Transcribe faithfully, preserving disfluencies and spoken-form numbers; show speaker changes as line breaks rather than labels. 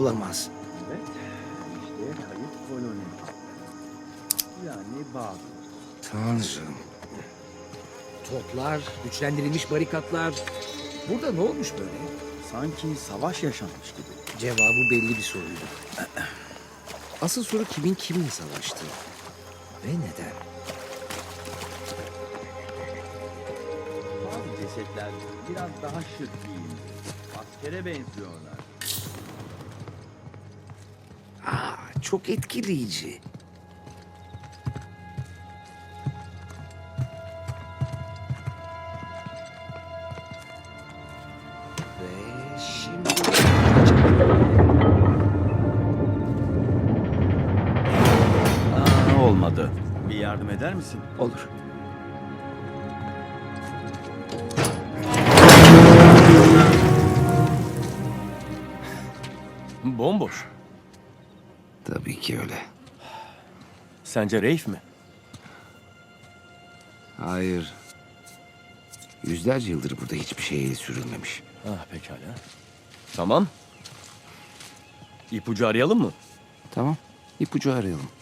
olamaz.
Evet, işte kayıp koloni. Yani bağ.
Tanrım. Toplar, güçlendirilmiş barikatlar. Burada ne olmuş böyle?
Sanki savaş yaşanmış gibi.
Cevabı belli bir soruydu. Asıl soru kimin kiminle savaştı? Ve neden?
Bazı cesetler biraz daha şık giyindi. Askere benziyorlar.
Aa, çok etkileyici. Ve şimdi...
Aa, olmadı. Bir yardım eder misin?
Olur.
Bomboş.
Tabii ki öyle.
Sence Reif mi?
Hayır. Yüzlerce yıldır burada hiçbir şey el sürülmemiş.
Ah pekala. Tamam. İpucu arayalım mı?
Tamam. İpucu arayalım.